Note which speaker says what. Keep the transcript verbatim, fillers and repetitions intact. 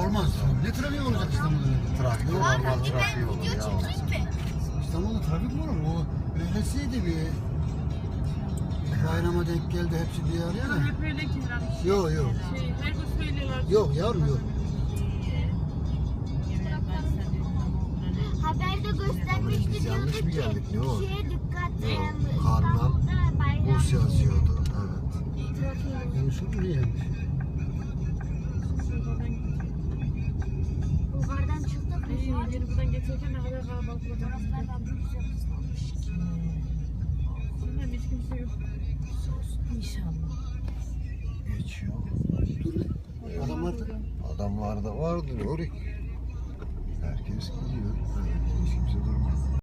Speaker 1: olmaz. Ne trafik olacak İstanbul'da?
Speaker 2: Trafik normal trafiği olur ya.
Speaker 1: İstanbul'da trafik mi olur? O öylesiydi bir bayrama denk geldi hepsi bir araya da.
Speaker 3: Hep öyle ki herhalde.
Speaker 1: Yok yok.
Speaker 3: Şey, her gün söylüyorlar.
Speaker 1: Yok yavrum yok.
Speaker 4: Haberde göstermişti
Speaker 2: Biz yanlış
Speaker 4: diyordu
Speaker 2: mı
Speaker 4: ki
Speaker 2: geldik, ne o?
Speaker 4: şeye dikkat
Speaker 2: Yok,
Speaker 4: em,
Speaker 2: Karnal,
Speaker 4: İstanbul'da bayram
Speaker 2: Bus yazıyordu. Evet.
Speaker 4: trafiği.
Speaker 1: Yunus'un buraya gelmiş.
Speaker 4: Bulgardan çıktık.
Speaker 3: Ay, yeni buradan geçerken ne kadar kalabalık olacak. Bilmem hiç kimse yok. İnşallah.
Speaker 2: Geçiyor.
Speaker 1: Dur. Adamlar da.
Speaker 2: Adamlar da vardır oraya. Herkes gidiyor. Evet, hiç kimse durmaz.